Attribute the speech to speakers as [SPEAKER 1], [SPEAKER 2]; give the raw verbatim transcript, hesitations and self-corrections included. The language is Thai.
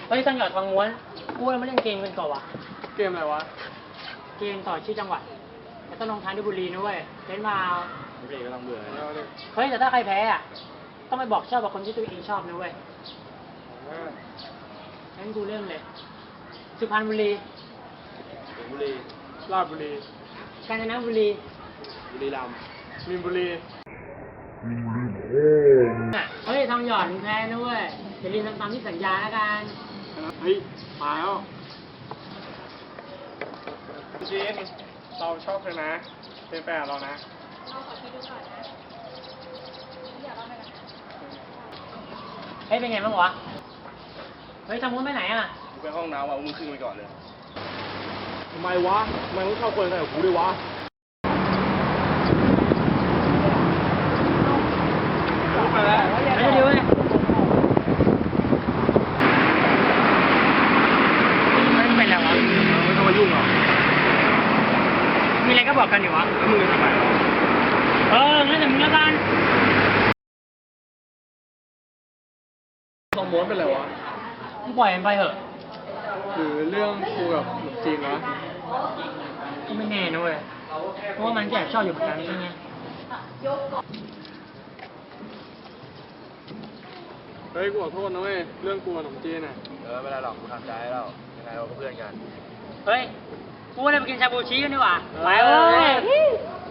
[SPEAKER 1] เฮ้ยต้องหยอดทองม้วนกูเราไม่เล่นเกมกันก่อนวะ
[SPEAKER 2] เกมอะไรวะ
[SPEAKER 1] เกมต่อชื่อจังหวัดแต่ต้องลงท้ายด้วยบุรีนะเว้ยเล่นมา
[SPEAKER 3] บุรีก็ต้องเบื่อ
[SPEAKER 2] เอาดิ
[SPEAKER 1] เฮ้ยแต่ถ้าใครแพ้อ่ะต้องไปบอกชอบกับคนที่ตัวเองชอบนะเว้ย
[SPEAKER 2] เออ
[SPEAKER 1] งั้นกูเริ่มเลย สุพรรณบุรี
[SPEAKER 3] บุรี
[SPEAKER 2] ราชบุรี
[SPEAKER 1] กาญจนบุรี
[SPEAKER 3] บุรีรัมย์
[SPEAKER 2] มีนบุรี
[SPEAKER 1] อ่ะเฮ้ยทองหยอดมึงแพ้นะเว้ยอย่าลืมทำตามที่สัญญาแล้วกัน
[SPEAKER 2] เฮ้ยมาแล้วจีนเราชอบเธอนะเป็นแฟนเรานะ
[SPEAKER 1] เฮ้ยเป็นไงบ้างวะ เฮ้ยทำมุ้นไปไหนอ่ะ
[SPEAKER 3] กูไปห้องน้ำว่ะมึงขึ้นไปก่อนเลย
[SPEAKER 2] ทำไมวะทำไมมึงชอบคนอะไรกับกูด้วยวะ ไปแล้ว
[SPEAKER 1] ไปเร็วๆเว้ยมันเป็นอะไรวะ
[SPEAKER 2] ไม่ต้องมายุ่งหรอก
[SPEAKER 1] มีอะไรก็บอกกันอยู่วะ
[SPEAKER 2] แล้วมึงจะทำไมวะ
[SPEAKER 1] เอองั้นแต่มึงละกัน
[SPEAKER 2] ต้องม้วนเป็นไรวะ
[SPEAKER 1] มึงปล่อยมันไปเถอะ
[SPEAKER 2] หรือเรื่องกูกับหนุ่มจีนวะ
[SPEAKER 1] ก็ไม่แน่นะเว้ย เพราะว่ามันก็แอบชอบอยู่เหมือนกันใช่ไหม
[SPEAKER 2] เฮ้ยกูขอโทษนะเว้ยเรื่องกูกับหนุ่มจีนอ่ะ
[SPEAKER 3] เออไม่ได้หรอกกูทำใจให้แล้วยังไงเราก็เพื่อนกัน
[SPEAKER 1] เฮ้ย กูว่าเราไปกินชาบูชิกันดีกว่า ไปเว้ย